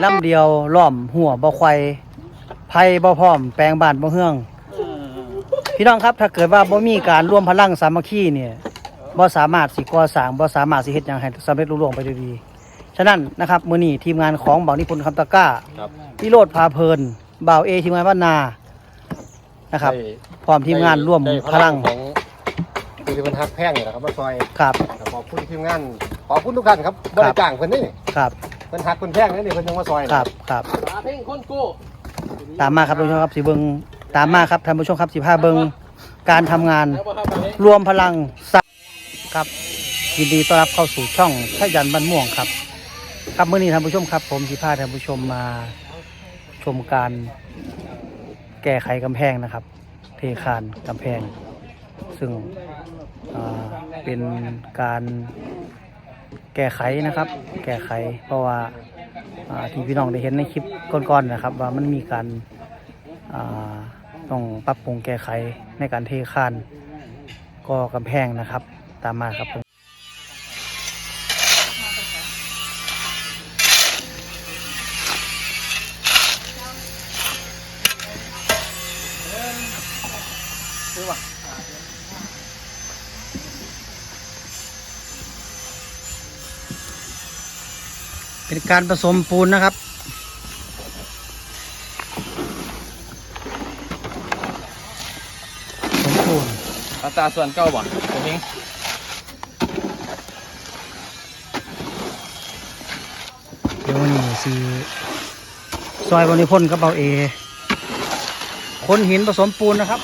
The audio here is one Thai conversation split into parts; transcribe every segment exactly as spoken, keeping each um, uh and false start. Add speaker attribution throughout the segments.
Speaker 1: ลำเดียวล้อมหัวบ่ควายไผ่บ่พร้อมแปลงบ้านบ่เฮืองพี่น้องครับถ้าเกิดว่าบ่มีการร่วมพลังสามัคคีเนี่ยบ่สามารถสิก่อสร้างบ่สามารถสิเฮ็ดหยังให้สำเร็จลุล่วงไปด้วยดีฉะนั้นนะครับมื้อนี้ทีมงานของบ่าวนิพนธ์คำตะกร้าพี่โรดพาเพลินบ่าวเอทีมงานบ้านนานะครับพร้อมทีมงานร่วมพลัง
Speaker 2: ของผู้ที่เพิ่นฮักแพงนี่แหละครับมาซอย
Speaker 1: ครับ
Speaker 2: ขอบคุณทีมงานขอบคุณทุกท่านครับบ่ได้จ้างเพิ่นนี่
Speaker 1: ครับ
Speaker 2: เพิ่นฮักเพิ่นแพงนี่เพิ่นยังมาซอย
Speaker 1: ครับครับ
Speaker 2: เพลงคนกู้
Speaker 1: ตามมาครับท่านผู้ชมครับสิเบิ่งตามมาครับท่านผู้ชมครับสิพาเบิ่งการทำงานรวมพลังครับยินดีต้อนรับเข้าสู่ช่องชยันบ้านม่วงครับครับมื้อนี้ท่านผู้ชมครับผมสิพาท่านผู้ชมมาชมการแก้ไขกำแพงนะครับเทคานกำแพงซึ่งเป็นการแก้ไขนะครับ แก้ไขเพราะว่าที่พี่น้องได้เห็นในคลิปก่อนๆนะครับว่ามันมีการต้องปรับปรุงแก้ไขในการเทคานก่อกำแพงนะครับตามมาครับเป็นการผสมปูนนะครับผสมปูน
Speaker 2: อัตราส่วนเก้าบ่ผมเอง
Speaker 1: เดี๋ยววันนี้สิซอยบริพนธ์กับเบาเอคนหินผสมปูนนะครับ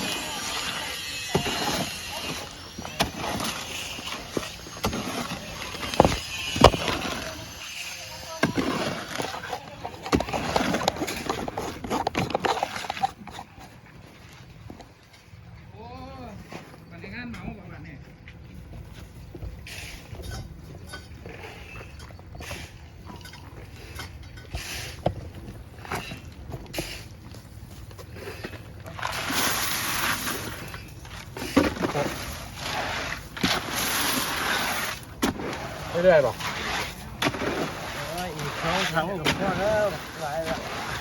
Speaker 2: เรื่อยๆบอก
Speaker 1: อีกสองถังกับพ่อแล้วหลายละ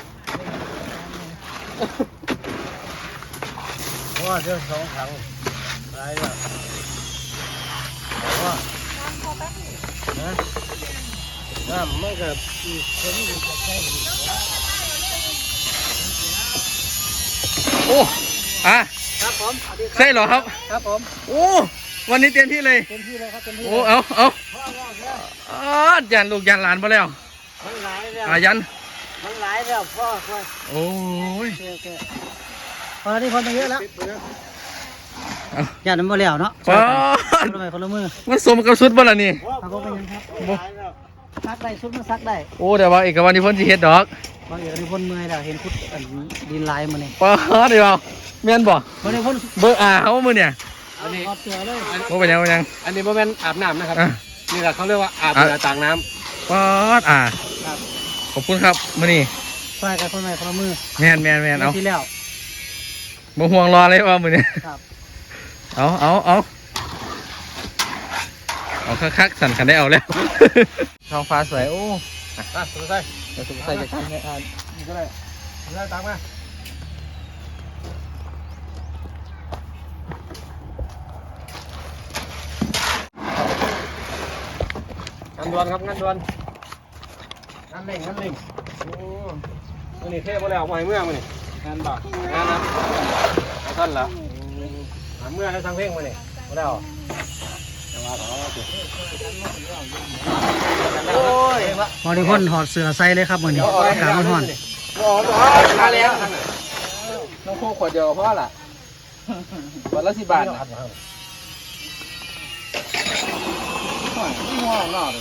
Speaker 1: พ่อเดี๋ยวสองถังหลายละพ่อนะน้ำมันกับอีกคนนี้จะใช่
Speaker 3: โอ้อะ
Speaker 1: ครับผม
Speaker 3: ใช่เหรอครับ
Speaker 1: ครับผม
Speaker 3: โอ้วันนี้เต็มที่เลย
Speaker 1: เต็มที่เลยครับเต็มที่
Speaker 3: โอ้เอาเอาอ๋อยันลูกยันหลานมาแล้ว
Speaker 1: มันหลายแล้ว
Speaker 3: อายัน
Speaker 1: มันหลายแล้วพ่อพ่อ
Speaker 3: โอ้ย
Speaker 1: พอที่คนมาเยอะแล้วยันมันมาแล้วเนาะ
Speaker 3: ป้า
Speaker 1: คนละไม้คนละมือ
Speaker 3: มันสมกับชุดบ่ล่ะนี่
Speaker 1: เขาก็เป็นยังครับซักได้ชุดมันซักได้
Speaker 3: โอ้แต่ว่าเอกวันนี้พ้นสิเฮ็ดดอก
Speaker 1: บางเอกวันนี้พ้นเมื่อยแล้วเห็นคุดดินลายมาเนี่ย
Speaker 3: ป้าเดี๋ยวแม่นบ่
Speaker 1: วันนี้พ้น
Speaker 3: เบอร์อาเขามือเนี่ย
Speaker 1: อันนี้เสือเลย
Speaker 3: โอ้เป็นยังเป็นยัง
Speaker 2: อันนี้โมเมนต์อาบน้ำนะครับนี่แหละเขาเรียกว่าอาบเรือต่างน้
Speaker 3: ำป้าอ่าขอบคุณครับมื้อนี้
Speaker 1: ใส่กับคนใหม่คนละมือ
Speaker 3: แม่นแม่นแม่นเอา
Speaker 1: ที่แล้ว
Speaker 3: บ่ห่วงรอเลยว่ามื้อนี้
Speaker 1: ครับ
Speaker 3: เอาเอาเอาเอาคักๆสั่นกันได้เอาแล้วท้องฟ้าสวยโอ้
Speaker 2: อ่ะสุดท้าย
Speaker 3: สุดท้ายจะกินให้อ่าน
Speaker 2: นี่ก็ได้ได้ตังมางานด่วนครับงานด่วนงานเล่งงานเล่งโอ้มื่อนี้เทพมาแล้วมาเมื่อมื่อนี้งานบ่งานนะท่านละเมื่อให้ทางเพ่งมาเนี่ยมาแล้วจะมาต่อโอ้ย
Speaker 1: บริพนธ์ถอดเสื้อใส่เลยครับวันนี้อากาศมันร้อน
Speaker 2: โอ้โหมาแล้วน้องโคขวดเดียวเพราะอะไรวันละสิบบาทนะครับที่ห้องนอกเลย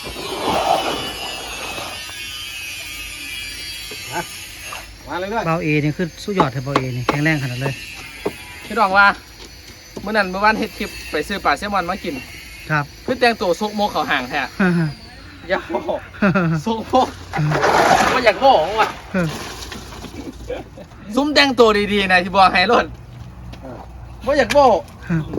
Speaker 2: มาเลยด้วย
Speaker 1: เบาเอนี่คือสุดยอดเลยเบาเอนี่แข็งแรงขนาดเลย
Speaker 3: พี่ดองว่าเมื่อนั้นเมื่อวานเฮ็ดคลิปไปซื้อปลาแซลมอนมากิน
Speaker 1: ครับ
Speaker 3: คือแต่งตัวซุกโมกเขาห่างแท้อยากโมซุกโมกว่าอยากโมกว่ะซุ้มแต่งตัวดีๆนะที่บอกให้รถว่าอยากโมก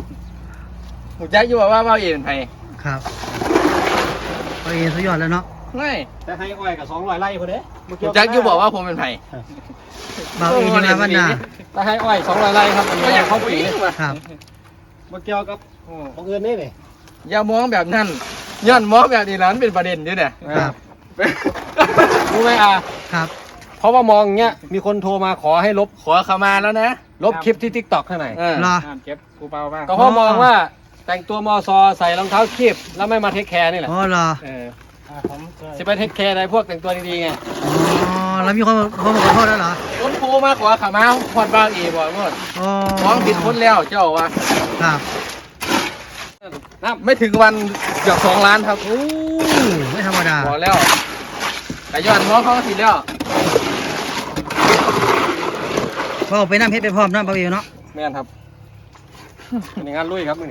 Speaker 3: หูใจอยู่ว่าว่าเอ็นไทย
Speaker 1: ครับเบาเอสุดยอดแล้วเนาะ
Speaker 3: ไม่
Speaker 2: แต่ให้อ้อยกับสองร้อยไร่คนเด้
Speaker 3: แจ็คยูบอกว่าผมเป็นไผ่
Speaker 1: เบาเองนะวันน่ะ
Speaker 2: แต่ให้อ้อยสองร้อยไร่ครับอันนี้
Speaker 3: ก็อยาก
Speaker 2: เข้า
Speaker 3: เข้า
Speaker 2: ปี
Speaker 3: ปีว่ะ
Speaker 1: ครับ
Speaker 2: มาเกี่ยวกับบังเอิญนี่นี่
Speaker 3: อย่ามองแบบนั้นย้อนมองแบบนี้นั้นเป็นประเด็นอยู่เนี่ย
Speaker 1: ครับ
Speaker 2: รู้ไหมอ่ะ
Speaker 1: ครับ
Speaker 2: เพราะว่ามองอย่างเงี้ยมีคนโทรมาขอให้ลบ
Speaker 3: ขอเข้ามาแล้วนะ
Speaker 2: ลบคลิปที่ทิกตอกข้างใน
Speaker 3: เออ
Speaker 1: รอ
Speaker 2: เก็บกูเปล่าบ้างก็เพราะมองว่าแต่งตัวมอซอใส่รองเท้าคีบแล้วไม่มาเทคแคร์นี่แหละ
Speaker 1: อ๋อรอ
Speaker 2: เออสิไปเทคแคร์อะไรพวกแต่งตัวดีๆไง
Speaker 1: อ๋อแล้วมีคนเขามาขอโทษแล้วเหรอ
Speaker 3: คนโทรมาขอเข้ามาพอดบางอีบอกหมด
Speaker 1: อ๋อ
Speaker 3: ฟ้องผิดคนแล้วเจ้าว่า
Speaker 1: ครับ
Speaker 2: น้
Speaker 3: ไม่ถึงวันเกือบสองล้านครับ
Speaker 1: โอ้ไม่ธรรมดา
Speaker 3: บอกแล้วแต่ย้อนมองเขาผิดแล้ว
Speaker 1: พอไปน้ำเพชรไปพร้อมน้ำเบาเองเนาะ
Speaker 2: ำแม่นครับเป็นงานลุยครับนี่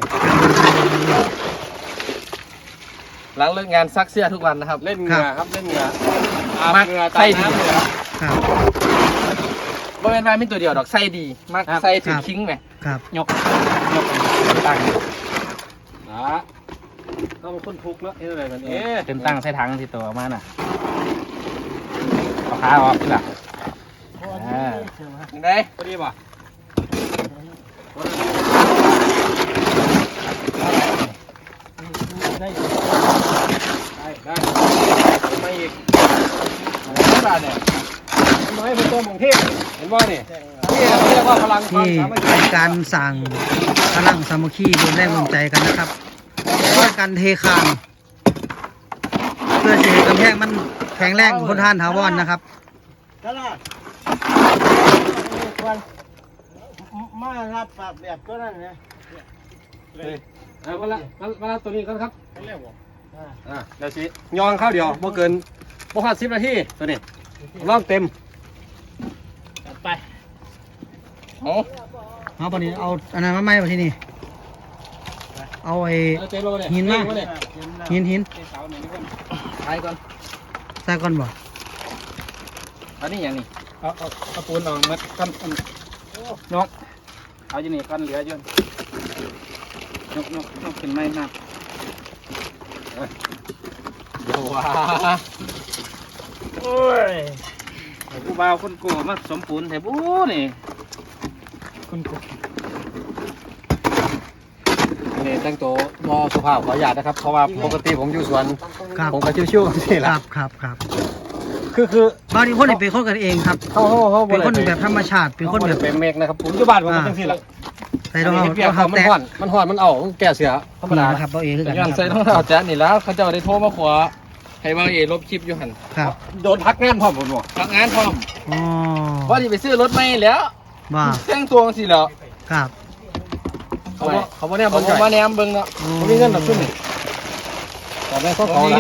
Speaker 3: หลังเลิกงานซักเสื้อทุกวันนะครับ
Speaker 2: เล่นเหงื่อครับเล่นเหงื่ออาบ
Speaker 3: มัก
Speaker 2: เหงื่อ
Speaker 3: ไส้
Speaker 2: ตาม
Speaker 3: ดี
Speaker 2: น้ำเหงื่อ
Speaker 1: ครับ
Speaker 3: บ่เป็นว่ามีตัวเดียวดอกไส้ดีมัก
Speaker 2: ครับ
Speaker 3: ไส้ถึงคิงไหม
Speaker 1: ครับ
Speaker 2: ยกยกตั้งนะต้องเป็นคนทุกข์เนาะเอ๊ะอะไรกันเอ๊ะ
Speaker 3: เป็นตั้งใส่ถังที่ตัวมาน่ะเอาขาออกนี่ล่ะยังไง
Speaker 2: พอดีป่ะได้ได้ได้ไม่อีก
Speaker 3: ไม่บาทเนี่ย
Speaker 2: ไม่เป็นตัวมงเทพเห็นว่านี่นี่เรียกว่าพลังความ
Speaker 1: ที่
Speaker 2: สามัคคี
Speaker 1: เป็นการสั่งพลังสามัคคีรวมแรงรวมใจกันนะครับช่วยกันเทคานเพื่อจะให้กำแพงมันแข็งแรงทนทานถาวรนะครับ
Speaker 4: ตลาดมารับปรับแบบตัวนั้นนะ
Speaker 2: เอามาละมาละตัวนี้กันครับอ่าเดี๋ยวสิยองข้าวเดียวเมื่อเกินพวกห้าสิบนาทีตัวนี้ร่องเต็ม
Speaker 3: ไปโอ้
Speaker 1: เอาปนี้เอาอันนั้นมาไหมวะที่นี่เอาไอ้
Speaker 2: เต็มแล้วเนี่ย
Speaker 1: หินมา
Speaker 2: เนี่ย
Speaker 1: หินหิน
Speaker 2: เสาหนึ่งนี่ก่อน
Speaker 3: ไปก่อน
Speaker 1: ใส่ก่อนบ่
Speaker 3: อันนี้อย่างนี้
Speaker 2: เอาเอาเอาปูนออกมากันนกเอาอยู่นี่กันเหลืออยู่
Speaker 3: นกนกนกขึ้นไม่นับเดี๋ยวว่า
Speaker 4: โอ้ย
Speaker 3: กูบ่าวคนโกมาสมปูนแต่บูนี่
Speaker 2: คุณกูนี่แต่งตัวมอสุภาพขออนุญาตนะครับเพราะว่าปกติผมอยู่สวน
Speaker 1: ครับ
Speaker 2: ผมก็ชิวๆนี่แห
Speaker 1: ค
Speaker 2: ละ
Speaker 1: รับครับครับ
Speaker 2: คือคือบ
Speaker 1: างทีคนนี่เป็นคนกันเองครับ
Speaker 2: เขาเขาเขา
Speaker 1: เป็นคนแบบธรรมชาติเป็นคนแบบ
Speaker 2: เป็นเมกนะครับผมอยู่บ้านผมก็จังซี่แหละ
Speaker 1: ใส่รองเท้า
Speaker 2: เปีย
Speaker 1: ร
Speaker 2: ก
Speaker 1: อง
Speaker 2: เขา
Speaker 1: เท้า
Speaker 2: มัน
Speaker 1: แตะ
Speaker 2: ห่อนมันห่อนมันเอามันแก้เสือธรรมดา
Speaker 1: นะครับเบาเองคือกัน
Speaker 3: ย้อน
Speaker 1: ค
Speaker 3: ใส่
Speaker 1: รับ
Speaker 3: รองเท้าแจ๊นี่แล้วเขาเจ้าได้โทรมาขอให้บางเอลบคลิปอยู่หัน
Speaker 1: ครับ
Speaker 2: โดนพักงานพร้อมผมบอก
Speaker 3: พักงานพร้อม
Speaker 1: อ๋อ
Speaker 3: ว่าที่ไปซื้อรถไม่แล้ว
Speaker 1: บ้า
Speaker 3: แต่งตัวสิแล้ว
Speaker 1: ครับ
Speaker 2: เขาบอกเขาบอกเนี่ย
Speaker 3: เขา
Speaker 2: มัน
Speaker 3: บอก
Speaker 2: จ่อย
Speaker 3: มาแนมเบิ่งเนาะ
Speaker 2: เขามีเงินหนักขึ้นนี่ต่อไปเขาขอละ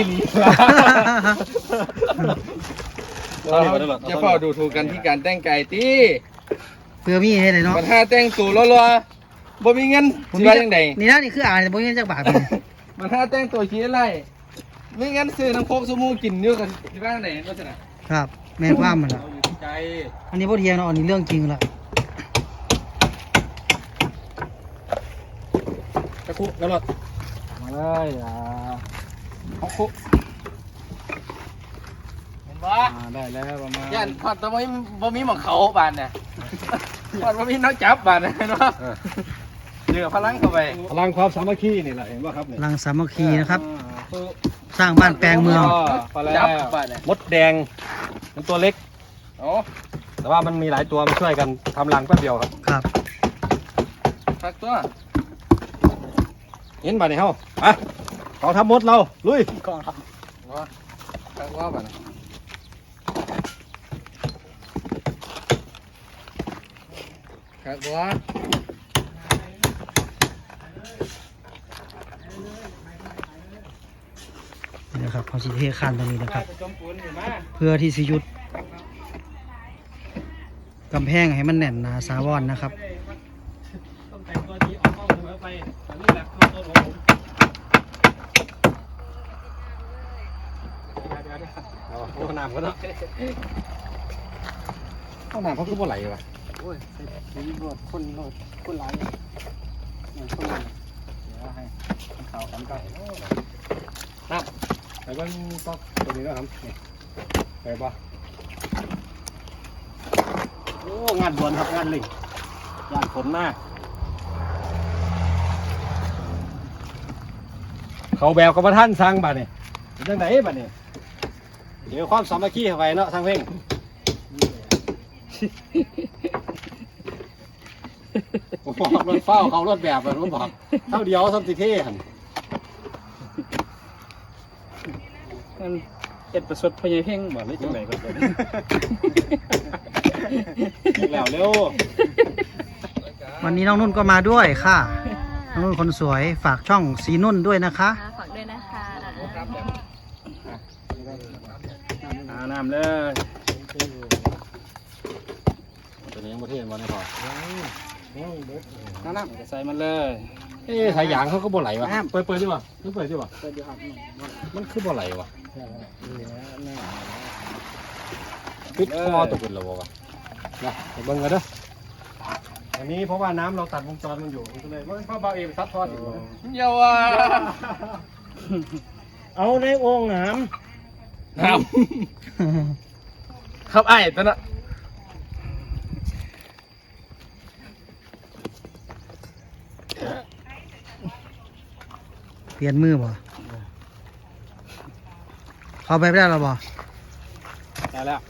Speaker 3: จะเฝ้าดูถูกกันที่การแต่งกายตี
Speaker 1: เพื่อมีให้เลยเนาะ
Speaker 3: ปัญหาแต่งตัวรัวๆบ่มีเงินสิว่าจังได
Speaker 1: นี่นะนี่คืออ่านแต่บ่มีเงินจักบาทเลย
Speaker 3: ปัญหาแต่งตัวขี้อะไรมีเงินซื้อน้ำโคกสมูกินเนื้อกันสิว่าจังไดก็จะน่ะ
Speaker 1: ครับแม่นความมันล่ะ
Speaker 2: อยู่ที่ใจ
Speaker 1: อันนี้บ่เทียงเนาะอันนี้เรื่องจริงละ
Speaker 2: ตะคุแล้วหรอมาเลยอ่าเขาคุ
Speaker 3: เห็นบ่
Speaker 2: ได้แล้วประมาณ
Speaker 3: ย่านพอดแต่บ่มีบ่มีหม่องเขาบานน่ะพอดบ่มีนักจับบานน่ะเนาะเหลือพลังเข้าไป
Speaker 2: พลังความสามัคคีนี่แหละเห็นป่ะครับ
Speaker 1: พลังสามัคคีนะครับ
Speaker 2: คือ
Speaker 1: สร้างบ้านแปลงเมือง
Speaker 2: พอแล้ว
Speaker 3: จับบานน่ะ
Speaker 2: มดแดงมันตัวเล็ก
Speaker 3: โอ้
Speaker 2: แต่ว่ามันมีหลายตัวมาช่วยกันทำรังแป๊บเดียวครับ
Speaker 1: ครับ
Speaker 3: สักตัว
Speaker 2: เห็นป่ะเนี่ยเฮาไปเขาทำมดเราลุย
Speaker 3: กองครับว่าสักว่าบานน่ะครับว่า
Speaker 1: นี่นะครับเขาสิเทคานตรงนี้นะครับ เพื่อที่สิหยุดกำแพงให้มันแน่นหนาสาวรนะครับ
Speaker 2: ต้องแต่งตัวดีออกข้อมือไปแต่นี่แหละตัวของผมเอาโอ้น้ำก็เนาะห้องน้ำเขาคือบ่ไหลวะ
Speaker 4: โอ้ยใส่ถุงรถคนรถคนหลายเนี่ยเหมือนคนหลาย
Speaker 3: เดี๋ยวให้เขากันก่อน
Speaker 2: น้ำไปเบิ่งก๊อกตัวนี้แล้วครับนี่ไปปะโอ้งานด่วนครับงานเร่งงานฝนมากเขาแบบกับท่านสร้างบ้านนี่เป็นจังไดบ้านนี่เดี๋ยวความสามัคคีเข้าไปเนาะทางเพ่งผมบอกรถเฝ้าเขารถแบบแบบผมบอกเท่าเดียวสัมติเท่หัน
Speaker 4: มันเอ็ดประสดพญายเพ่ง
Speaker 2: เหมือนได้จังไหนก็เป็นแล้วเร็ว
Speaker 1: วันนี้น้องนุ่นก็มาด้วยค่ะน้องนุ่นคนสวยฝากช่องสีนุ่นด้วยนะคะ
Speaker 5: ฝากด้วยนะคะ
Speaker 2: อาน้ำเลยตัวนี้ยังประเทศมาในพอ
Speaker 4: น้ำๆใส่มันเลย
Speaker 2: เอ๊ะสายยางเขาก็บ่ไหลวะเปิดเปิดดิวะนี่เปิดดิวะ
Speaker 4: เปิดอยู่ครับ
Speaker 2: มันคือบ่ไหลวะปิดคอตกเป็นระบบวะนะไปเบิ่งกันเด้ออันนี้เพราะว่าน้ำเราตัดวงจรมันอยู่มันก็เลยว่าพ่อเบาเองซัดทอดอยู่
Speaker 3: เยาว่า
Speaker 2: เอาในโอ่งน้
Speaker 3: ครับครับไอ้ตัวน่ะ
Speaker 1: เปลี่ยนมือบ่เขาไปไม่ได้หรอบ่
Speaker 2: ำได้แล้ว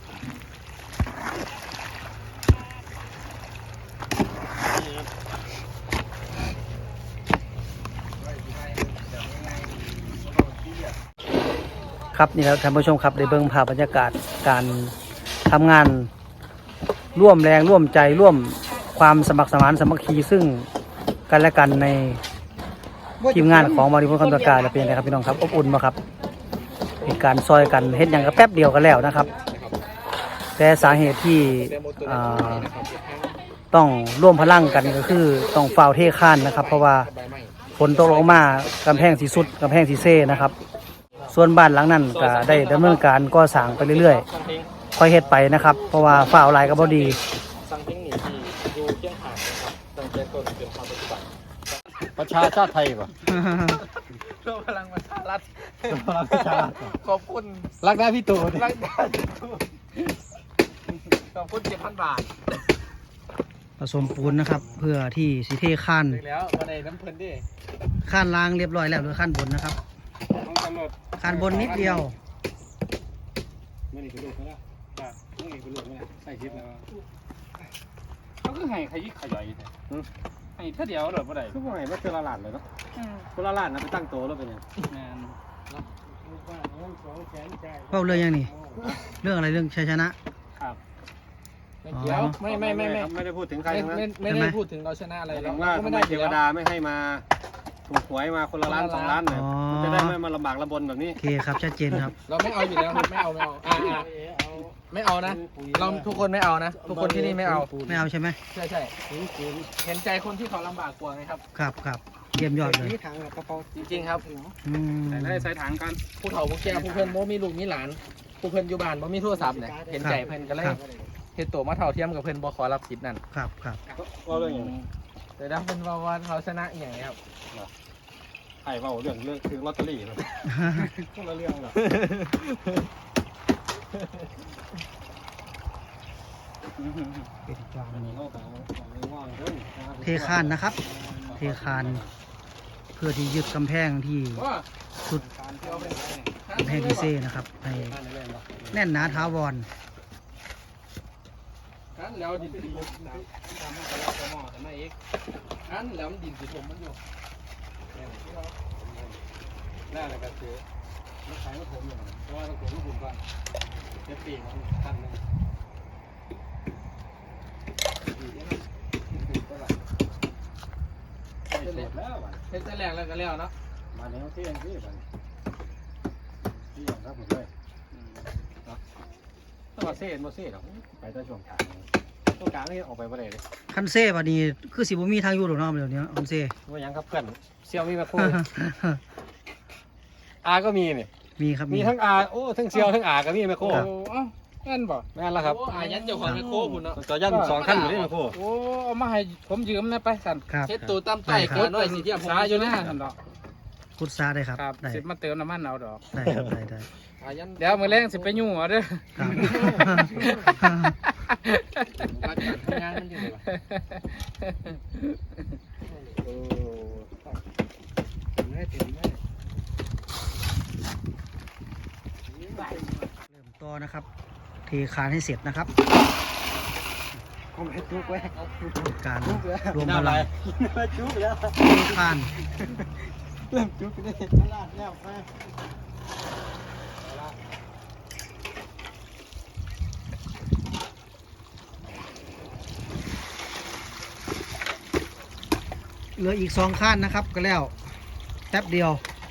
Speaker 1: ครับนี่แล้วท่านผู้ชมครับได้เบิ่งภาพบรรยากาศการทำงานร่วมแรงร่วมใจร่วมความสมัครสมานสามัคคีซึ่งกันและกันในทีมงานของมาริพุนคำตะการเป็นยังไงครับพี่น้องครับอบอุ่นมาครับเหตุการณ์ซอยกันเฮ็ดอย่างก็แป๊บเดียวกันแล้วนะครับ แต่สาเหตุที่อ่าต้องร่วมพลังกันก็คือต้องฝ่าวเทข้านนะครับ เพราะว่าฝนตกลงมากำแพงสีสุดกำแพงสีเซ่นะครับ ส่วนบ้านหลังนั้นก็ได้ดำเนินการก่อสร้างไปเรื่อยๆค่อยเฮ็ดไปนะครับ เพราะว่าฝ่าวลายก็บ่ดี
Speaker 3: สั่งเทคนิคที่อยู่เชียงหานนะครับตั้งแต่ต้นจนความปัจจุบัน
Speaker 2: ประชาชาติไทยป่ะ
Speaker 3: รวมพลังประชารัฐ
Speaker 2: ประชาชาติ
Speaker 3: ขอบคุณ
Speaker 2: รักได้พี่ตู่
Speaker 3: รักได้ขอบคุณเจ็ดพันบาท
Speaker 1: ผสมปูนนะครับ เพื่อที่สิเทข้าน
Speaker 3: ถึงแล้วมาในน้ำเพลินดิ
Speaker 1: ข้านล่างเรียบร้อยแล้วเหลือข้านบนนะครับ
Speaker 2: ต้องกำหนด
Speaker 1: ข้านบนนิดเดียว
Speaker 2: ไม่ได้กระโดดแล้วอ่ะต้องเอกกระโดดแล้วใส่ทิพย์แล้ว
Speaker 4: เขาคือให้ขยิกขย่อยให้เท่าเดียวหรือเปล่า
Speaker 2: คือว่าไงว่าเจอละหลานเลยเนาะคนละหลานนะไปตั้งโตแล้วเป็นยัง
Speaker 4: แมน
Speaker 1: เป้าเรื่องยังนี่ เรื่องอะไรเรื่องชัยชนะ
Speaker 3: ไม่เกี่ยวไม่ไม่ไม่ไม่
Speaker 2: ไม่ได้พูดถึงใคร
Speaker 3: ไม่
Speaker 2: ทั้งนั้น
Speaker 3: ไม่ไม่ได้พูดถึงเราชนะอะไร
Speaker 2: ห
Speaker 3: เรา
Speaker 2: มายถึงว่า
Speaker 3: ก็
Speaker 2: ทำ
Speaker 3: ไม่
Speaker 2: ไม
Speaker 3: ได้
Speaker 2: เทวดาไม่ให้มาถูกหวยมาคนละล้านสองล้านเนี่ย
Speaker 1: อ๋อ
Speaker 2: มันจะได้ไม่มาลำบากลำบนแบบนี้
Speaker 1: โอเคครับชัดเจนครับ
Speaker 3: เราไม่เอาอยู่แล้วครับไม่เอาไม่เอาอ่าอ่าไม่เอานะ เราทุกคนไม่เอานะ ทุกคนที่นี่ไม่เอา
Speaker 1: ไม่เอาใช่ไหม
Speaker 3: ใช่ใช่เห็นใจคนที่เขาลำบากกว่าไงครับ
Speaker 1: ครับครับเยี่ยมยอดเลย
Speaker 4: นี่ถังกระเป๋า
Speaker 3: จริงๆครับ
Speaker 1: อืม
Speaker 2: ใส่ได้ใส่ถังกัน
Speaker 3: ผู้เฒ่าผู้แก่ผู้เพิ่นโมมีลูกมีหลานผู้เพิ่นอยู่บ้านบ่มีโทรศัพท์เนี่ยเห็นใจเพิ่นก็เลยเฮ็ดตัวมาเท่าเทียมกับเพิ่นบ่ขอรับสิทธิ์นั่น
Speaker 1: ครับครับ
Speaker 2: ว่าเรื่องอย่างนี้
Speaker 3: แต่ดังเพิ่นว่าว่าเขาชนะอหย่างนี้ครับ
Speaker 2: ไอ้ว่าเรื่องเรื่องคือลอตเตอรี่นะคนละเรื่องหรอ
Speaker 1: เทคานนะครับ เทคาน เพื่อที่ยึดกำแพงที่สุดกำแพงที่เซ่นะครับให้แน่นหนาท้าวร
Speaker 3: อันแล้วดินสิผมตามมาแล้วก็มอแต่ไม่เอกอันแล้วมันดินสิผมมันอยู่
Speaker 2: แน่เลยก็คือไม่ใช้ไม่ผมอย่างเพราะว่าต้องผมต้องผมก่อนเจ็ดปีมันทันเลยเสร็จแล้วอ่ะ
Speaker 3: เฮ็ดแต่แรกแล้วก็แล้วเนาะ
Speaker 2: มาแล้วเที่ยงที่ไปที่อย่างครับผมเลยต้องมาเซ่มาเซ่หรอกไปแต่ช่วงกลางช่วงกลางนี่ออกไปประเดี๋ยวเลย
Speaker 1: คันเซ่บัดนี้คือสิบ่มีทางอยู่หรอกเนาะเดี๋ยวนี้คันเซ่
Speaker 2: ว่ายังครับเพื่อนเซี่ยวมีมาคู่อาก็มีนี่
Speaker 1: มีครับ
Speaker 2: มีทั้งอาโอ้ทั้งเซี่ยวทั้งอาก็มีมาคู่
Speaker 4: โอ้เอ้าแม่นบ่
Speaker 2: แม่นแล้วครับ
Speaker 3: โอ้อายันเจ้าของแมคโครพุ่นเนาะ
Speaker 2: ต่อยันสองขั้นอยู่นี่มาคู่
Speaker 4: โอ้เอามาให้ผมยืมนะไปสั่น
Speaker 1: ครับ
Speaker 3: เฮ็ดตัวตามใต้ขาน้อยสิเทียมผม
Speaker 4: สาอยู่นะสั่นดอก
Speaker 1: พุทธาได้ครับ
Speaker 4: ครับ
Speaker 1: ได้
Speaker 4: สิมาเติมน้ำมันเอาดอก
Speaker 1: ได้ครับได้ได้
Speaker 3: อายัน
Speaker 4: เดี๋ยวมื้อแรงสิไปยุ่งเอาเด้อ
Speaker 1: ครับ
Speaker 3: รักการงานมันอยู่เลยวะ
Speaker 2: โอ้
Speaker 3: ไม่ถึงไม่
Speaker 1: เริ่มต่อนะครับเทคานให้เสร็จนะครับ
Speaker 3: คงให้ทุกไว้
Speaker 1: การรวมพลัง
Speaker 3: จุกแล้ว
Speaker 1: เทคาน
Speaker 3: เริ่มจุกนี่ลาดแล้วไป
Speaker 1: เหลืออีกสองข้านนะครับก็แล้วแป๊บเดียว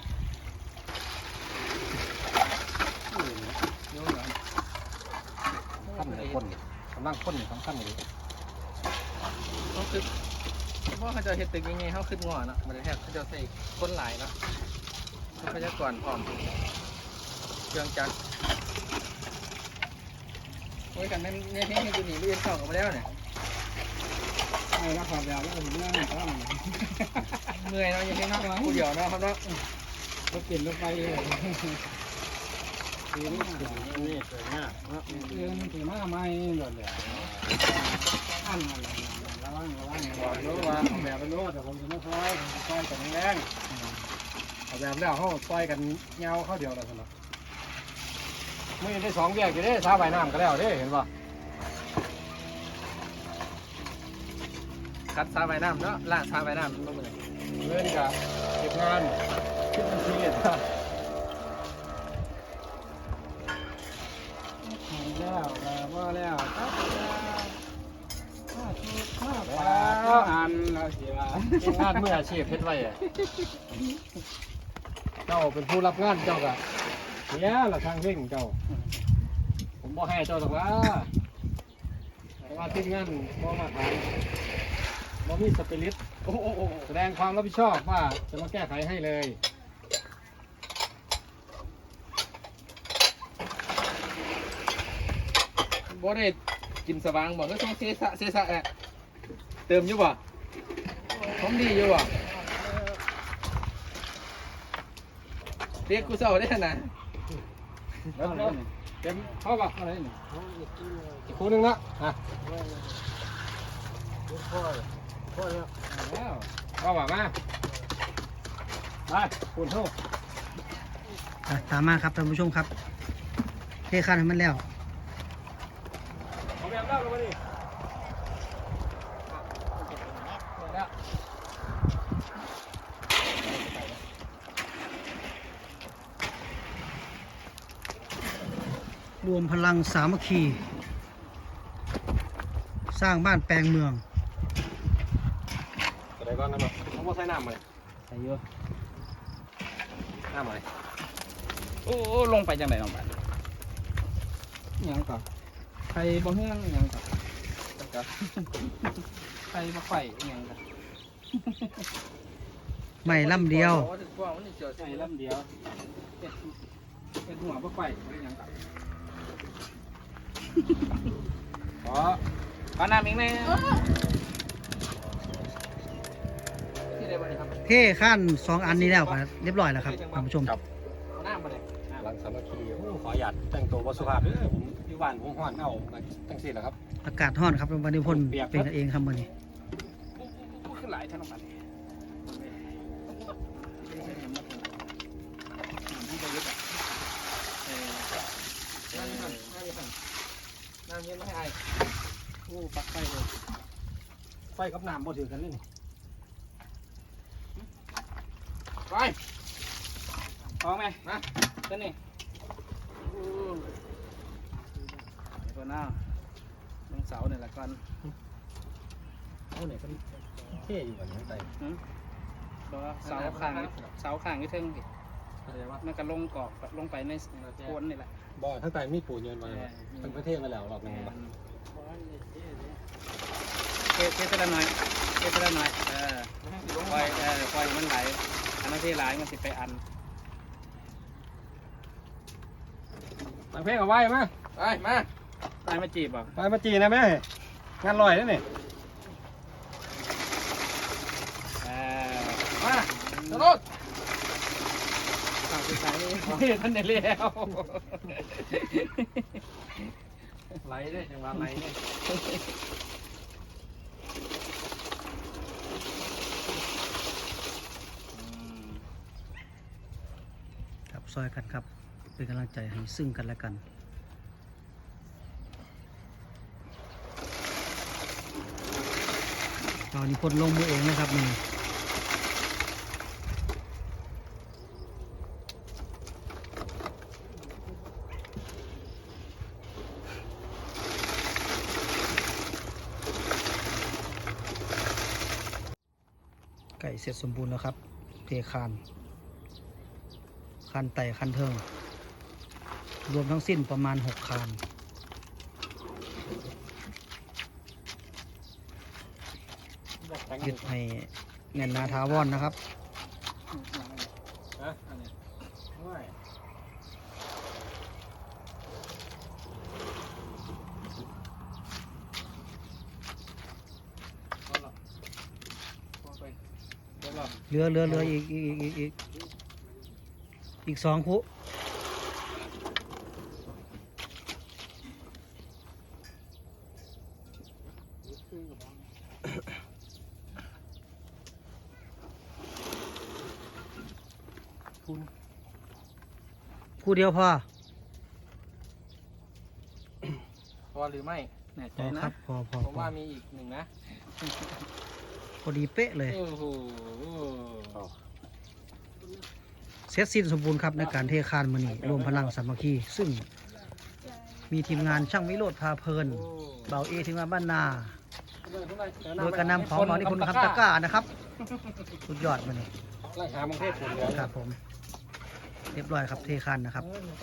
Speaker 2: ขั้นไหนคนกำลังคนสำคัญเลย
Speaker 3: เขาคือเพราะเขาจะเห็ดตึกยังไงเขาขึ้นงอเนาะมันแทบเขาจะใส่คนหลายเนาะทรัพยากรพร้อมเครื่องจักรโอ้ยกันแม่เนี่ยให้ดูหนีไม่ยืนเข้ากันมาแล้วเนี่ย
Speaker 4: ไอ้ละครับยาวแล้วผมนั่งก็
Speaker 3: เมื่อยเนาะยังให้นักกูเดียวเนาะครับเนาะ
Speaker 4: รถกินรถไปเลย
Speaker 2: นี่นี่สวยงามเนาะ
Speaker 4: เดินถือมาไม่หล่นเลยอันอะไรระวังระวัง
Speaker 2: บอกรู้ว่าเอาแบบไปรู้แต่ผมจะไม่ซอยผมจะซอยกันแรงเอาแบบแล้วเขาซอยกันเงาเข้าเดียวแล้วสนุกไม่ได้สองแยกอยู่เด้ชาวใบน้ำก็แล้วเด้เห็นป่ะ
Speaker 3: คัดซาใบน้ำเนาะล่างซาใบน้ำต้องเป็น
Speaker 2: เล่นกับเก็บงานคิดบัญชีอ่ะ
Speaker 4: แล้วว่าแล้วครับแล้วอันเราเสีย
Speaker 2: เก็บงานเมื่ออาชีพเพชรไว้อะเจ้าเป็นผู้รับงานเจ้าก็เสียละทางเร่งเจ้า ผมบอกให้เจ้าหรอกว่าแต่ว่าทีมงานบ่มาทานบ่มีสปิริต
Speaker 3: โอ้โห
Speaker 2: แสดงความรับผิดชอบว่าจะมาแก้ไขให้เลย
Speaker 3: บ่ได้กินสว่างบอกก็ต้องเสียสะเสียสะแอะเติมอยู่บ่ผมดีอยู่บ่เรียกกูเศร้าได้ขนาด
Speaker 2: เดี๋ยวเดี๋ยวเต็มเข้าป่ะ
Speaker 4: อะไรนี่
Speaker 2: อีกคู่หนึงละอ่ะ
Speaker 4: แล้ว
Speaker 2: เข้าป่ะมาไปคุณเท่า
Speaker 1: อ่ะตามมาครับท่านผู้ชมครับเทคานให้มันแล้ว
Speaker 2: เอาแบบเล่าลงมาดิ
Speaker 3: แล้ว
Speaker 1: รวมพลังสามัคคี สร้างบ้านแปลงเมือง
Speaker 2: อะไรก่อนนะบ่เขาบอกใส่น้ำมาเลย
Speaker 4: ใส่เยอะ
Speaker 2: น้ำมาเลย
Speaker 4: โอ้ลงไปจังไหนลงไปยังก่อนใครบ่เฮืองยังก่อนใครบ่ไข่ยังก่อน
Speaker 1: ไม่ล่ำเดียว
Speaker 4: ใส่ลำเดียวเป็นหัวบ่ไข่ยังก่อน
Speaker 2: ขอ
Speaker 4: ขอน้ำอีกไหม
Speaker 3: ที่ได้บ่ได้ครับ
Speaker 1: เทคานสองอันนี้แล้วครับเรียบร้อยแล้วครับท่านผู้ชม
Speaker 3: เอาน้ำมาเลย
Speaker 2: หลังสามัคคีโอ้ขอหยาดแต่งตัววัสุภาพเด้อผมอยู่บ้านผมห้อนเอาตั้งสี่แล้วครับ
Speaker 1: อากาศร้อนครับวันนี้พ่นเป็นกันเองครับวันนี้
Speaker 4: ขึ้นหลายท่านลงไปน้ำน้ำเย็นไม่ให้ไอ
Speaker 2: โอ้ปักไฟเลยไฟกับน้ำบ่ถือกันเลยนี่
Speaker 4: ไปออกไหมนะตัวนี้ตัวหน้าลงเสาเนี่ยละกัน
Speaker 2: เอาเนี่ยก็เท่อยู่กันทั้งใจ
Speaker 4: เสาข้างเสาข้างที่เทิง
Speaker 2: อะไรวะ
Speaker 4: มันก็ลงกอกลงไปในโคนนี่แหละ
Speaker 2: บ่ทั้งใจมีปูนเยินมาเลยทั้งประเทศมาแล้วรอบนึงบ่
Speaker 4: เทเทไปละหน่อยเทไปละหน่อยเออปล่อยเออปล่อยมันไหลอันนั้นที่ไหลมันสิไปอัน
Speaker 2: ตั้งเพลงเอาไว้มา
Speaker 3: ไปมา
Speaker 4: ตายมาจีบอ่ะ
Speaker 2: ไปมาจีนะแม่งานลอยนั่นนี่
Speaker 4: เออ
Speaker 3: มาตลอด
Speaker 4: ฝากติดตามนี่
Speaker 3: ท่านได้แล้วไหลเลยจังหวะไหลเนี่ย
Speaker 1: ครับซอยกันครับเป็นกำลังใจให้ซึ่งกันและกันตอนนี้พลลงมือเองนะครับนี่ไก่เสร็จสมบูรณ์แล้วครับเทคานคันไต่คันเทิงรวมทั้งสิ้นประมาณหกคานยึดให้แน่นหนาถาวรนะครับ
Speaker 2: ฮะอันนี้ไม่เอาละพอไปเดี๋ยวเรา
Speaker 1: เหลือเหลือเหลืออีกอีกอีกอีกอีกสองคู่คู่เดียวพอ
Speaker 3: พอหรือไม่
Speaker 4: แน่ใจ
Speaker 1: พอ
Speaker 4: นะครับ
Speaker 1: พอพอ
Speaker 3: ผม
Speaker 1: พอ
Speaker 3: ว่ามีอีกหนึ่งนะ
Speaker 1: พอดีเป๊ะเลย
Speaker 3: โอ้โห
Speaker 1: เสร็จสิ้นสมบูรณ์ครับในการเทคานมือนี้รวมพลังสามัคคีซึ่งมีทีมงานช่างวิโรธพาเพลินเบาเอทีมงานบ้านนา โดยการนำของหมอนิพนธ์คำตะกร้านะครับสุดยอดมันนี่
Speaker 2: ไล่หามังเทศผมเดี๋ยว
Speaker 1: ครับผมเรียบร้อยครับเทคานนะครับ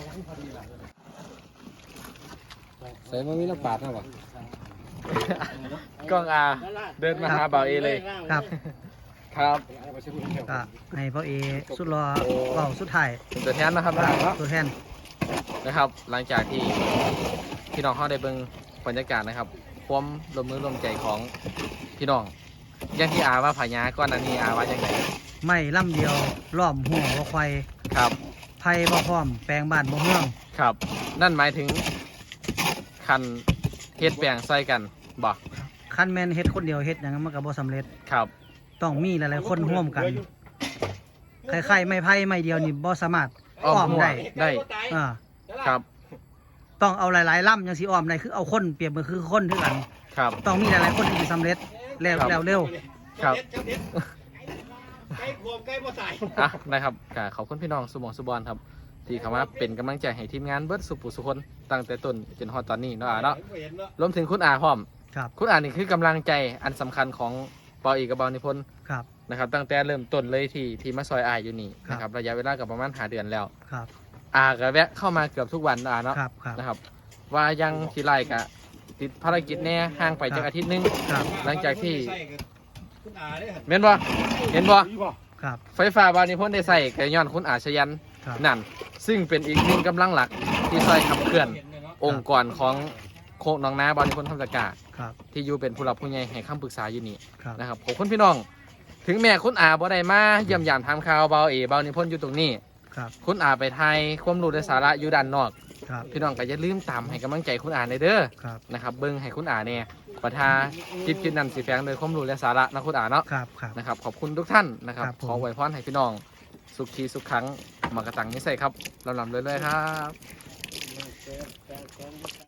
Speaker 2: ใส่มันมีน้ำปาดนะวะ
Speaker 3: กล้องอาเดินมาหาเบาเอเลย
Speaker 1: ครับ
Speaker 3: ครับ
Speaker 1: ก็ให้พ่อเอสุดรอเบาสุดท้าย
Speaker 3: เป็นตัวแทนนะครับนะ
Speaker 1: ตัวแทน
Speaker 3: นะครับ หลังจากที่พี่น้องเขาได้เบิ่งบรรยากาศนะครับความรวมมือรวมใจของพี่น้องอย่างที่อาว่าผายาก้อนอันนี้อาว่าอย่างไร
Speaker 1: ไม่ล่ำเดียวล้อมหัวว่าควาย
Speaker 3: ครับ
Speaker 1: ไผ่บ่พร้อมแปลงบ้านบ่เมือง
Speaker 3: ครับ นั่นหมายถึงคันเฮ็ดแปลงใส่กันบอก
Speaker 1: คันแมนเฮ็ดคนเดียวเฮ็ดอย่างนั้นมันก็บ่สำเร็จ
Speaker 3: ครับ
Speaker 1: ต้องมีหลายๆคนร่วมกันใครๆไม่ไผ่ไม่เดียวนี่บ่สามารถอ้อม
Speaker 3: หัว
Speaker 1: ได้
Speaker 3: ได้
Speaker 1: อ่า
Speaker 3: ครับ
Speaker 1: ต้องเอาหลายๆล่ำจังสิอ้อมได้คือเอาคนเปรียบเหมือนคือคนเท่ากัน
Speaker 3: ครับ
Speaker 1: ต้องมีหลายๆคนที่สิสำเร็จแล้ว
Speaker 3: ครับ
Speaker 1: แล้วเร็ว
Speaker 3: ครับ
Speaker 2: ใกล้ขวบใกล้บ่ใส่
Speaker 3: อ่ะนะครับก็ขอบคุณพี่น้องสุหมองสุบอลครับ ที่เข้ามาเป็นกำลังใจให้ทีมงานเบิร์ดสุปุสุคนตั้งแต่ต้นจนฮอดตอนนี้เนาะอ่ะเนาะรวมถึงคุณอาพร้อม
Speaker 1: ครับ
Speaker 3: คุณอานี่คือกำลังใจอันสำคัญของปออีกับเบานิพนธ์
Speaker 1: ครับ
Speaker 3: นะครับ ตั้งแต่เริ่มต้นเลยที่ที่มาซอยอายอยู่นี่
Speaker 1: ครับ
Speaker 3: นะครับระยะเวลากับประมาณหาเดือนแล้ว
Speaker 1: ครับ
Speaker 3: อาก็แวะเข้ามาเกือบทุกวันอ่ะเนาะ
Speaker 1: ครับครับ
Speaker 3: นะครับ ว่ายังทีไรกะติดภารกิจแน่ห่างไปจากอาทิตย์หนึง
Speaker 1: ครับ
Speaker 3: หลังจากที่
Speaker 2: คุณอาเนี่ย
Speaker 3: เห็นบ่เห็นบ่
Speaker 1: ครับ
Speaker 3: ไฟฟ้าบานิพนธ์ได้ใส่กระย้อนคุณอาชยัน
Speaker 1: ครับ
Speaker 3: นั่นซึ่งเป็นอีกหนึ่งกำลังหลักที่ซอยขับเคลื่อนองค์กรของโคกหน้องนาบานิพนธ์ทำตะกร้า
Speaker 1: ครับ
Speaker 3: ที่อยู่เป็นผู้หลักผู้ใหญ่ให้คำปรึกษาอยู่นี่
Speaker 1: ครับ
Speaker 3: นะครับขอบคุณพี่น้อง ถึงแม้คุณอาบ่ได้มาเยี่ยมยามทำข่าวเบาเอเบานิพนธ์อยู่ตรงนี้
Speaker 1: ครับ
Speaker 3: คุณอาไปไทยความรู้และสาระอยู่ด้านนอก
Speaker 1: ครับ
Speaker 3: พี่น้องก็อย่าลืมตามให้กำลังใจคุณอาในเด้อ
Speaker 1: ครับ
Speaker 3: นะครับเบิ้งให้คุณอาเนี่ยประทาจิตจิตนั้นสีแฝงโดยความรู้และสาระนะคุณอาเนาะ
Speaker 1: ครับครับ
Speaker 3: นะครับขอบคุณทุกท่านนะครับ
Speaker 1: ครับผม
Speaker 3: ขออวยพรให้พี่น้อง สุขทีสุขครั้งมากระตังนิสัยครับลำลำเรื่อยๆครับ